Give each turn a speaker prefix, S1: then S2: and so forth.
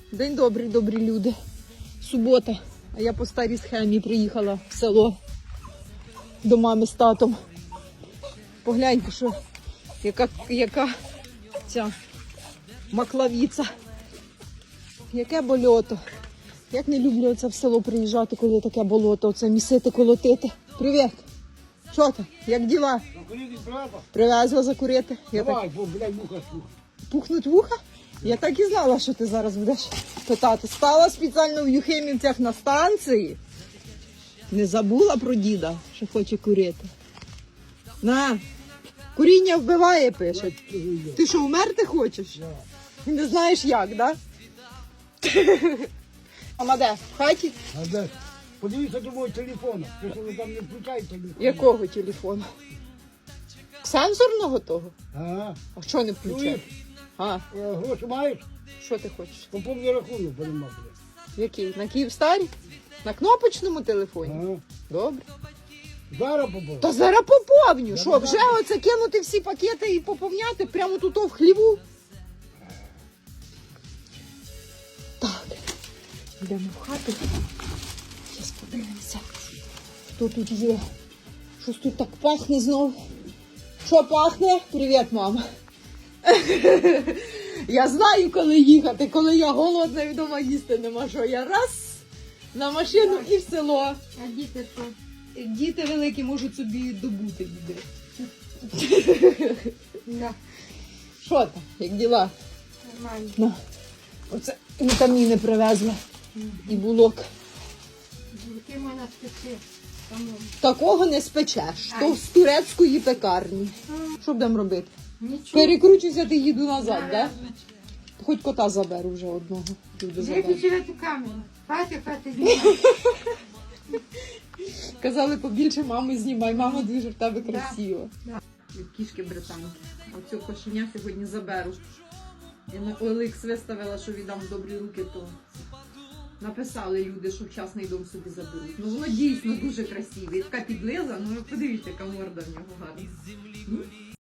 S1: День добрий, добрі люди. Субота, а я по старій схемі приїхала в село до мами з татом. Погляньте, що яка ця маклавіця. Яке болото. Як не люблю оце в село приїжджати, коли таке болото, оце місити, колотити. Привіт! Що ти? Як діла? Привезла закурити.
S2: Давай, бо, блядь, вуха слуха.
S1: Пухнуть вуха? Я так і знала, що ти зараз будеш питати. Стала спеціально в Юхимівцях на станції. Не забула про діда, що хоче курити. На, куріння вбиває, пише. Ти що, вмерти хочеш? І не знаєш як, да? Мама де? В хаті?
S2: А де? Подивіться до мого телефону. Ти що ви там не включаєте телефон?
S1: Якого телефону? Сенсорного того?
S2: Ага.
S1: А що не включати? А,
S2: Гроші маєш?
S1: що ти хочеш?
S2: Поповні рахунок перемагає.
S1: Який? На Київстарі? На кнопочному телефоні?
S2: Ага.
S1: Добре.
S2: Зараз поповні.
S1: Та зараз поповню. Що, вже оце кинути всі пакети і поповняти прямо тут в хліву? Так, йдемо в хату. Зараз подивимося, хто тут є. Щось тут так пахне знов. Що пахне? Привіт, мама. Я знаю, коли їхати, коли я голодна і вдома їсти нема що. Я раз на машину і в село.
S3: А діти що?
S1: Діти великі можуть собі добути їди.
S3: Да,
S1: Що там? Як діла?
S3: нормально.
S1: На. Оце вітаміни привезла. І булок.
S3: Які мене спеці.
S1: Такого не спечеш. То з турецької пекарні. Що будемо робити?
S3: Нічого.
S1: Перекручуся, ти їду назад, так? Да? Хоч кота заберу вже одного. Люди заберу.
S3: Виключили ту камеру. Хати знімай.
S1: Казали, побільше мами знімай. Мама дуже в тебе красива.
S3: Да.
S1: Кішки британки. А цього кошеня сьогодні заберу. Я на OLX виставила, що віддам в добрі руки, то написали люди, що в частний дом собі заберуть. Ну воно дійсно дуже красиве. І така підлиза, ну ви подивіться, яка морда в нього гарна.